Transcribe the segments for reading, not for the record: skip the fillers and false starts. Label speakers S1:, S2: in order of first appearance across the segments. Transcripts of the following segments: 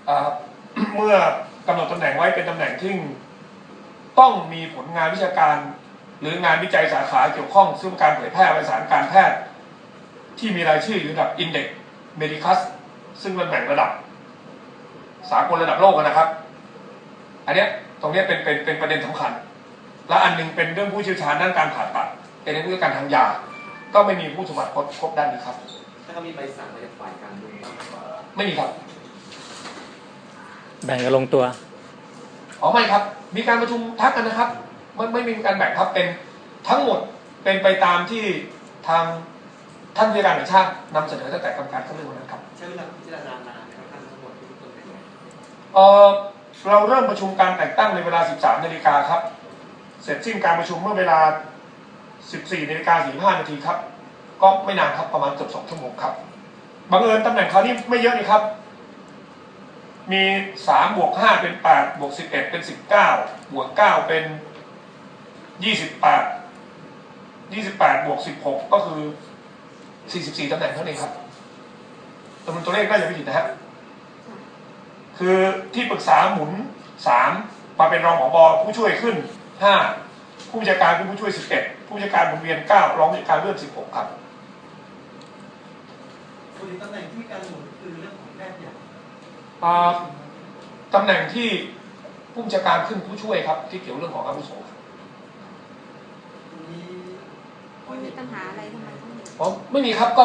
S1: เมื่อกำหนดตำแหน่งไว้เป็นตำแหน่งที่ต้องมีผลงานวิชาการหรืองานวิจัยสาขาเกี่ยวข้องซึ่งการเผยแพร่วารสารการแพทย์ที่มีรายชื่ออยู่ระดับ Index Medicus ซึ่งมันแบ่งระดับสากลระดับโลกนะครับอันนี้ตรงนี้เป็นประเด็นสำคัญและอันนึงเป็นเรื่องผู้เชี่ยวชาญด้านการผ่าตัดเป็นเรื่องการทางยาก็ไม่มีผู้สมัครครบด้านนี้ครับ
S2: ถ้าเขามีใบสั่งมาจากฝ่ายการเมือง
S1: ไม่มีครับ
S3: แบ่งกันลงตัว
S1: ไม่ครับมีการประชุมทักกันนะครับมันไม่มีการแบ่งครับเป็นทั้งหมดเป็นไปตามที่ทางท่านผู้การแห่งชาตินำเสนอตั้งแต่กรรมการเข้าเรื่องนั้นครับ
S2: ใช้เวลาพิจารณานานนะครับท่านทั้งหมดที่ต้นเป็นไง
S1: เราเริ่มประชุมการแต่งตั้งในเวลา 13 นาฬิกาครับเสร็จสิ้นการประชุมเมื่อเวลา 14 นาฬิกา 45 นาทีครับก็ไม่นานครับประมาณเกือบ2 ชั่วโมงครับบังเอิญตำแหน่งคราวนี้ไม่เยอะนี่ครับมี3 บวก 5 เป็น 8 บวก 11 เป็น 19 บวก 9 เป็น 28 บวก 16 ก็คือ 44 ตำแหน่งเท่านั้นครับจำนวนตัวเลขน่าจะไม่ผิดนะฮะคือที่ปรึกษาหมุน3มาเป็นรองผบ.ผู้ช่วยขึ้น5ผู้จัดการเป็นผู้ช่วย11ผู้จัดการหมุนเวียน9รองผู้จัดการเลื่อน16ครับ
S2: ส่วนตำแหน่งที่มีการหมุนคือเรื่องของแพทย์ใหญ่
S1: ตำแหน่งที่ผู้จัดการขึ้นผู้ช่วยครับที่เกี่ยวเรื่องของอาวุโส
S4: มีปัญหาอะไรทำไม
S1: ไม่มีครับก็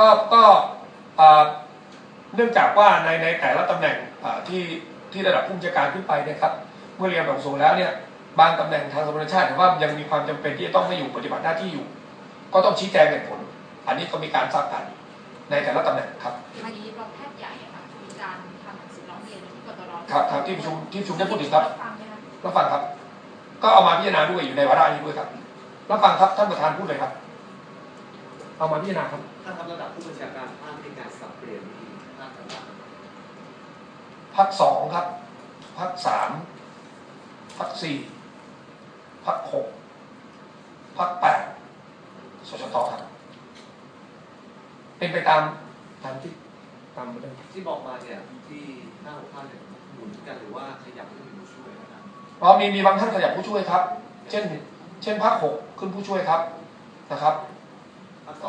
S1: เนื่องจากว่าในแต่ละตำแหน่งที่ระดับผู้จัดการขึ้นไปนะครับเมื่อเรียนแบบสูงแล้วเนี่ยบางตำแหน่งทางสมรชาติถือว่ายังมีความจำเป็นที่จะต้องให้อยู่ปฏิบัติหน้าที่อยู่ก็ต้องชี้แจงเหตุผลอันนี้ก็มีการทราบกันในแต่ละตำแหน่งครับ
S4: อันนี้รองแพทย์ใหญ่ค่ะมีการทำหนังสือร้องเรียนที่กตร.
S1: ครับที่ประชุมได้พูดถึงครับรับฟังครับก็เอามาพิจารณาด้วยอยู่ในวาระนี้ด้วยครับรับฟังครับท่านประธานพูดเลยครับเอามาพิจารณาครับ
S2: ถ้าทำระดับผู้บัญชาการภาคในการสับเปลี่ยนวิธีภาคต่าง
S1: ๆภาค2ครับภาค3ภาค4ภาค6ภาค8สชตครับเป็นไปตามเรื่อง
S2: ที่บอกมาเนี่ยที่5-6 ภาคเนี่ยหมุนกันหรือว่าขยับขึ้นเป็นผู้ช่วยนะครับ
S1: มีบางท่านขยับผู้ช่วยครับเช่นภาค6ขึ้นผู้ช่วยครับนะครับภาค2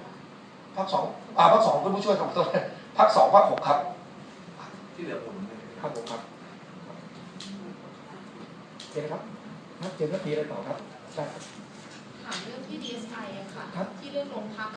S1: ขึ้นผู้ช่วยครับภาค2ภาค6ครับ
S2: ที่เหลือหมุน
S1: ครับผมครับเจนครับเจนก็ตีอะไรต่อครับใช่
S4: ถามเรื่องที่ DSI อะค่ะที่เรื่องโรงพัก